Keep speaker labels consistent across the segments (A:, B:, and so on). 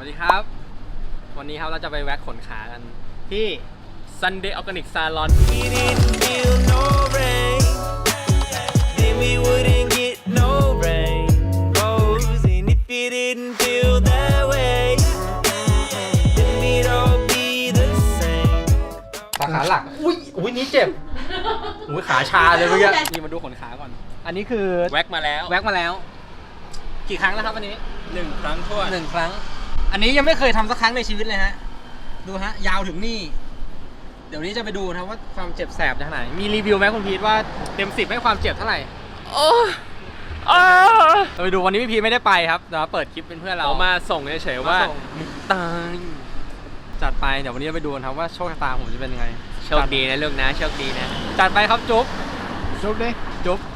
A: วัสดีครับวันนี้ครับเราจะไปแว็กขนขากันที่ Sunday Organic Salonสาขาหลักอุ้ยนี้เจ็บอุ้ยขาชาเลยเมื่อกี้นี่มาดูขนขาก่อนอันนี้คือแว็กมาแล้วกี่ครั้งแล้วครับอันนี้1 ครั้งทั่ว1 ครั้งอันนี้ยังไม่เคยทำสักครั้งในชีวิตเลยฮะดูฮะยาวถึงนี่เดี๋ยวนี้จะไปดูนะว่าความเจ็บแสบจะเท่าไหร่มีรีวิวไหมคุณพีทว่าเต็ม10ให้ความเจ็บเท่าไหร่เราไปดูวันนี้พี่พีทไม่ได้ไปครับเดี๋ยวเปิดคลิปเป็นเพื่อนเรามาส่งเฉยๆว่าตายจัดไปเดี๋ยววันนี้เราไปดูกันครับว่าโชคชะตาผมจะเป็นยังไงโชคดีนะลูกนะโชคดีนะจัดไปครับจุ๊บดิจุ๊บ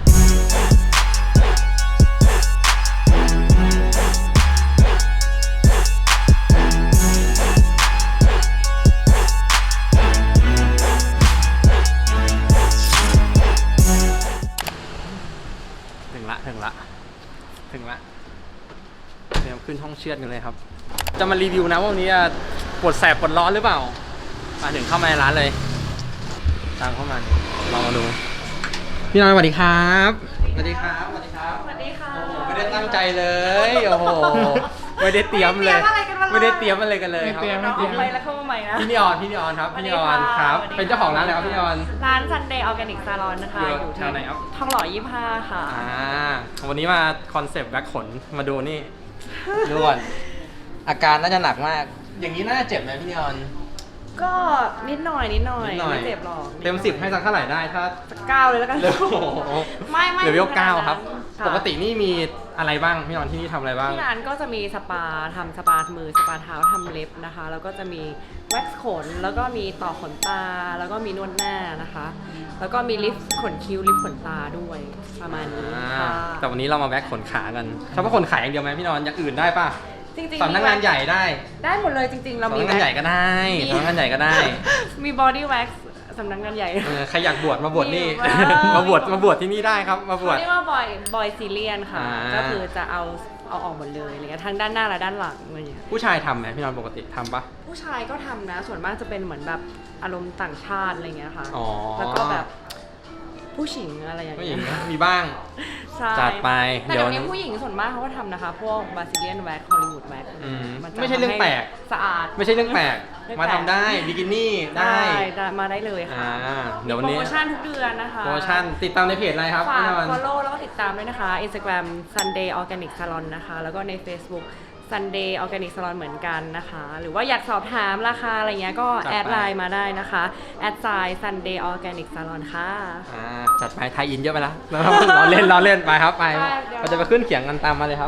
A: ถึงละเดี๋ยวขึ้นห้องเชือดกันเลยครับจะมารีวิวนะว่าวันนี้ปวดแสบปวดร้อนหรือเปล่ามาถึงเข้ามาในร้านเลยตามเข้ามาลองมาดูพี่น้อยสวัสดีครับสวัสดีค่ะโอ้โหไม่ได้ตั้งใจเลยโอ้โหไม่ได้เตรียมเลยไม่ได้เตรียมอะไรกันเลยครับ
B: น้องออกไปแล้วเข้ามาใหม่นะ
A: พี่นิออนครับพี่นิออนครับเป็นเจ้าของร้านเลยครับพี่นิออน
B: ร้าน Sunday Organic Salon นะคะอยู่ที่ทองหล่อ25ค่ะ
A: วันนี้มาคอนเซปต์แว็กขนมาดูนี่ดูก่อนอาการน่าจะหนักมากอย่างนี้น่าจะเจ็บไหมพี่นิออน
B: ก็นิดหน่อยไม่เจ็บหรอก
A: เต็ม10ให้สักเท่าไหร่ได้ถ้า
B: 9เลยแล้วกันไม่
A: เลเวล9ครับปกตินี่มีอะไรบ้างพี่นอนที่นี่ทำอะไรบ้าง
B: ที่ร้านก็จะมีสปาทำสปามือสปาเท้าทำเล็บนะคะแล้วก็จะมีแว็กซ์ขนแล้วก็มีต่อขนตาแล้วก็มีนวดหน้านะคะแล้วก็มีลิฟต์ขนคิ้วลิฟต์ขนตาด้วยประมาณนี้ค่ะ
A: แต่วันนี้เรามาแว็กขนขากันเฉพาะขนขาอย่างเดียวไหมพี่นอนอย่างอื่นได้ป่ะ
B: จริง
A: ๆสำนักงานใหญ่ได้
B: หมดเลยจริงๆเรามี
A: สำนักงานใหญ่ก็ได้สำนักงานใหญ่ก็ได้
B: มีบอดี้แว็กซ์สำนักงานใหญ่
A: ใครอยากบวชมาบวชนี่มาบวชที่นี่ได้ครับมาบวช
B: เรียกว่าบอยซีเรียนค่ะก็คือจะเอาออกหมดเลยอะไรเงี้ยทั้งด้านหน้าและด้านหลังอะไรเงี้ย
A: ผู้ชายทำไหมพี่นอนปกติทำปะ
B: ผู้ชายก็ทำนะส่วนมากจะเป็นเหมือนแบบอารมณ์ต่างชาติอะไรเงี้ยค่ะแล้วก็แบบผู้หญิงอะไรอย่างเงี้ย
A: มีบ้างจัดไป
B: แต่เดี๋ยวนี้ผู้หญิงส่วนมากเขาก็ทำนะคะพวกบราซิเลียนแว็กฮอลลีวูดแว็ก
A: ไม่ใช่เรื่องแปลก
B: สะอาด
A: ไม่ใช่เรื่องแปลกมาทำได้บิกินี่ได้
B: มาได้เลยค่ะ
A: เดี๋ยววันนี้
B: โปรโมชั่นทุกเดือนนะคะ
A: โปรโมชั่นติดตามในเพจอะไรครับ
B: ฝาก follow แล้วก็ติดตามด้วยนะคะ Instagram Sunday Organic Salon นะคะแล้วก็ใน Facebook Sunday Organic Salon เหมือนกันนะคะหรือว่าอยากสอบถามราคาอะไรเงี้ยก็แอดไลน์มาได้นะคะแอดไซน์ Sunday Organic Salon ค่ะ
A: จัดไปไทยอินเยอะไปแล้วเราเล่นไปครับไปเราจะไปขึ้นเขียงกันตามมาเลยครับ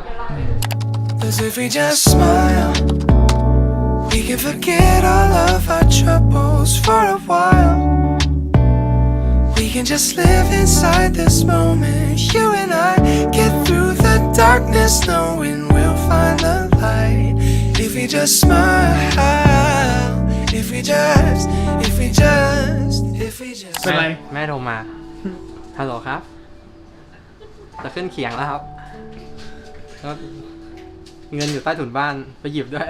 C: If we just smile we can forget all of our troubles for a while we can just live inside this moment you and I get through the darkness knowing we'll find the light if we just smile if we just
A: เป็นไรแม่โทรมาฮัลโหลครับจะขึ้นเขียงแล้วครับเงินอยู่ใต้ถุนบ้านไปหยิบด้วย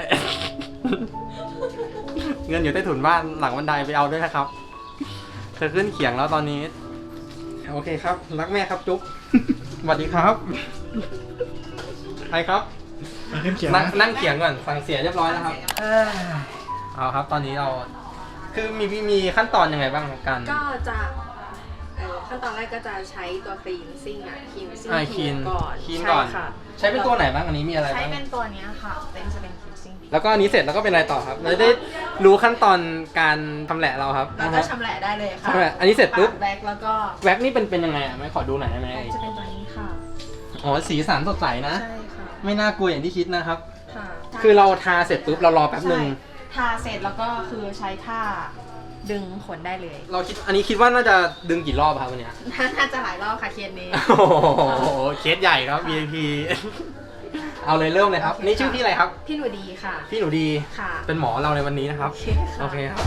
A: เงินอยู่ใต้ถุนบ้านหลังบันไดไปเอาด้วยนะครับจะขึ้นเขียงแล้วตอนนี้โอเคครับรักแม่ครับจุ๊บสวัสดีครับใครครับนั่งเขียงก่อนสั่งเสียเรียบร้อยแล้วครับเอาครับตอนนี้เราคือมีขั้นตอนยังไงบ้างการ
D: ก็จะขั้นตอนแรกก็จะใช้ตัวคลีนซิ่งคลีนซิ่ง
A: ก่อนใช้เป็นตัวไหนบ้างอันนี้มีอะไรบ้าง
D: ใช้เป็นตัวนี้ค่ะจะเป็นคลีนซิ่ง
A: แล้วก็อันนี้เสร็จแล้วก็เป็นอะไรต่อครับเราได้รู้ขั้นตอนการทำแหละเราครับ
D: เราก็ชำแหละได้เลยค่ะ
A: อันนี้เสร็จปุ๊บ
D: แว็กแล้วก็
A: แว็กนี่เป็นยังไงไม่ขอดูหน่อยได้ไหม
D: จะเป็นตัวนี้ค่ะ
A: อ๋อสีสันสดใสนะ
D: ใช่ค่ะ
A: ไม่น่ากลัวอย่างที่คิดนะครับ
D: ค่ะ
A: คือเราทาเสร็จปุ๊บเรารอแป๊บนึง
D: ทาเสร็จแล้วก็คือใช้ผ้าดึงขนได้เลย
A: เราคิดว่าน่าจะดึงกี่รอบครับวันนี้
D: น่าจะหลายรอบค่ะเคสนี้
A: โอ้โหเคสใหญ่ครับ VIP เอาเลยเริ่มเลยครับนี่ชื่อพี่อะไรครับ
D: พี่หนูดีค่ะ
A: พี่หนูดี
D: ค่ะ
A: เป็นหมอเราในวันนี้นะครับโอเคครับ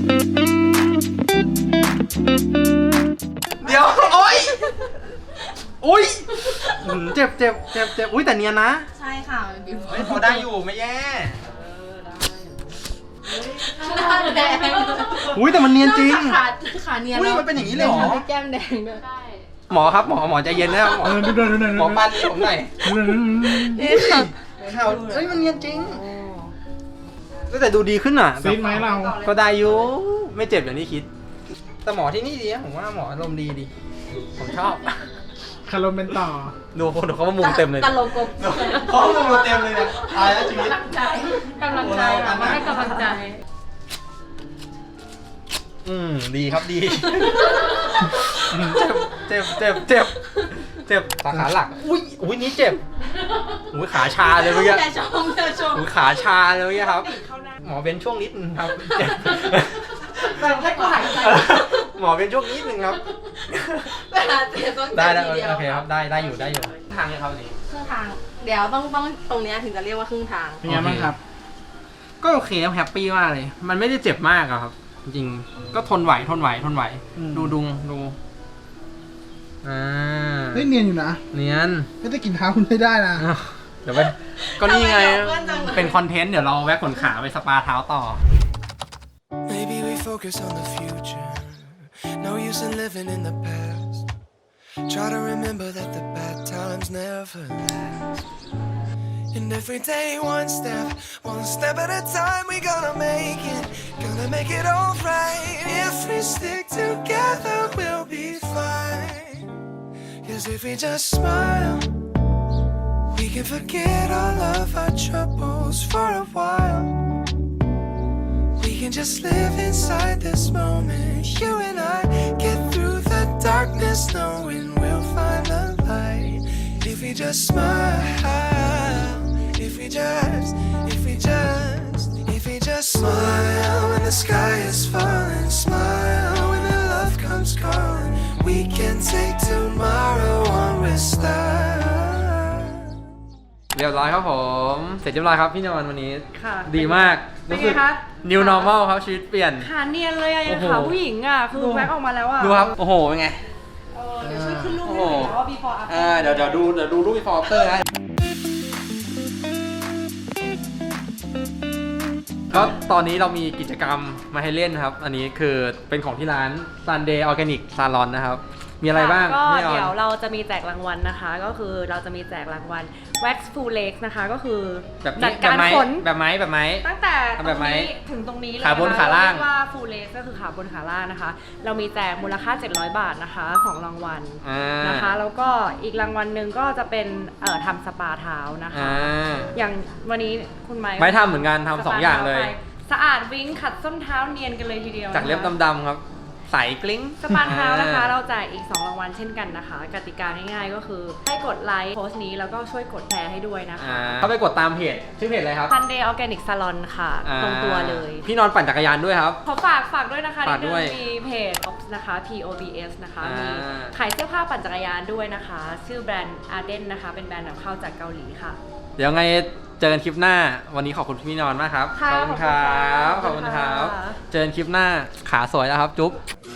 A: เดี๋ยวโอ๊ยอุ้ยเจ็บอุ้ยแต่เนียนนะ
D: ใช่ค่ะ
A: เฮ้ยพอได้อยู่ไม่แย่
D: หน้าแดง
A: อุ้ยแต่มันเนียนจริง
D: ขาเนียน
A: อุ้ยมันเป็นอย่างนี้เลยเหรอ
D: แก้มแดงด้วย
A: หมอครับหมอใจเย็นนะครับหมอ
E: ดูหน่อย
A: หมอปั้นผมหน่อย
D: นี่ค่ะ
A: ข่าวเอ้ยมันเนียนจริงแต่ดูดีขึ้นอ่ะ
E: ซีดไหมเรา
A: ก็ได้อยู่ไม่เจ็บอย่างที่คิด แต่หมอที่นี่ดีนะผมว่าหมออารมณ์ดีผมชอบ
E: คารมเป็นต่อ
A: ดูเขามามุงเต็มเลย
D: ตลกกบ
A: เขามามุงเต็มเลยเนี่ยตายแล้วชีวิต
D: กำลังใจค่ะมาให้กำลังใจ
A: ดีครับดีเจ็บขาหลักอุ้ยนี่เจ็บอุ้ยขาชาเลยเมื่อกี้
D: อย่าชมอย่าชม
A: อุ้ยขาชาเลยเมื่อกี้ครับ หมอเป็นช่วงนิดนึงครับเจ็บ
D: แต่ให้กูหายใจ
A: หมอเป็นช่วงนิดนึงครับ
D: เวลาเจ็บต้อง
A: ได้
D: เจ็บ
A: แล้ว
D: ทีเดียว
A: โอเคครับได้อยู่ทางนี้ครับนี่
D: ครึ่งทาง เดี๋ยวต้องตรงเนี้ยถึงจะเรียกว่าครึ่งทาง
E: เป็นไงบ้างครับ
A: ก็โอเคครับแฮปปี้มากเลย มันไม่ได้เจ็บมากอะครับ จริงๆก็ทนไหว
E: อืม
A: ดูอ่า
E: เฮ้ยเนียนอยู่นะ
A: เนียน
E: ไม่ได้กินเท้าคุณไม่ได้นะ
A: เดี๋ยวไปก็นี่ไง
D: ทำไมเราเพื่อนจังเลย
A: เป็นคอนเทนต์เดี๋ยวเราแวะขนขาไปสปาเท้าต่อ
C: Maybe we focus on the future. No use in living in the past. Try to remember that the bad times never last. And every day, one step at a time, we gonna make it alright. If we stick together, we'll be fine. 'Cause if we just smile, we can forget all of our troubles for a while. We can just live inside this moment. You and I get through the darkness, knowing we'll find the light. If we just smile, if we just smile when the sky is falling, smile when the love comes calling. We can take tomorrow on with style.
A: เรียบร้อยครับผม เสร็จเรียบร้อยครับพี่นอนวันนี้
B: ค่ะ
A: ดีมาก
B: เป็นไง
A: รู้สึก
B: คะ
A: new normal ครับชีวิตเปลี่ยน
B: ขาเนียนเลยอะยัง
A: โอ้โห
B: ขาผู้หญิงอะคือแว็กออกมาแล้วอะ
A: ดูครับ โอ้โห เป็นไง
B: เดี๋ยวช่วยขึ้นรูป
A: โอ้
B: ให้
A: โห
B: หน่อยนะว่า before after
A: เดี๋ยวดูรูป before after นะก็ตอนนี้เรามีกิจกรรมมาให้เล่นครับ อันนี้คือเป็นของที่ร้าน Sunday Organic Salon นะครับ มีอะไรบ้าง
B: ก็
A: พี่ออน
B: เดี๋ยวเราจะมีแจกรางวัลนะคะ ก็คือเราจะมีแจกรางวัล wax full legs นะคะ ก็คือ
A: แบบ
B: จั
A: นี้
B: ดการขน
A: แบบไม้
B: ตั้งแต่ต
A: แบ
B: ร
A: บ
B: ง
A: ไหม
B: นี้ถึงตรงนี้เลย
A: ขาบน
B: นะคะ
A: ขาล่าง
B: เรียกว่า full legs ก็คือขาบนขาล่างนะคะ เรามีแจกมูลค่า700 บาทนะคะ2รางวัล นะคะ แล้วก็อีกรางวัลหนึ่งก็จะเป็นทำสปาเท้านะคะ อย่างวันนี้คุณไม้
A: ไม่ทำเหมือนกันทำสองอย่างเลย
B: สะอาดวิ้งขัดส้นเท้าเนียนกันเลยทีเดียว
A: จากเล็บดำๆครับ ใสกลิ้ง
B: สปาเท้านะคะเราแจกอีก2รางวัลเช่นกันนะคะ กติกาง่ายๆก็คือให้กดไลค์โพสต์นี้แล้วก็ช่วยกดแชร์ให้ด้วยนะคะ
A: เข้าไปกดตามเพจชื่อเพจอะไรครับ
B: Sunday Organic Salon ค่ะ ตรงตัวเลย
A: พี่นอนปั่นจักรยานด้วยครับ
B: ขอฝากด้วยนะคะ
A: ฝากด้วย
B: มีเพจ Ops นะคะ POBS นะคะ
A: อ่ามี
B: มีขายเสื้อผ้าปั่นจักรยานด้วยนะคะ ชื่อแบรนด์ Arden นะคะ เป็นแบรนด์นำเข้าจากเกาหลีค่ะ
A: เดี๋ยวไงเจอกันคลิปหน้า วันนี้ขอบคุณพี่นอนมากครับ
B: ค่ะ
A: ขอบคุณครับ
B: ขอบคุณค่ะ
A: เจอกันคลิปหน้าขาสวยแล้วครับ จุ๊บ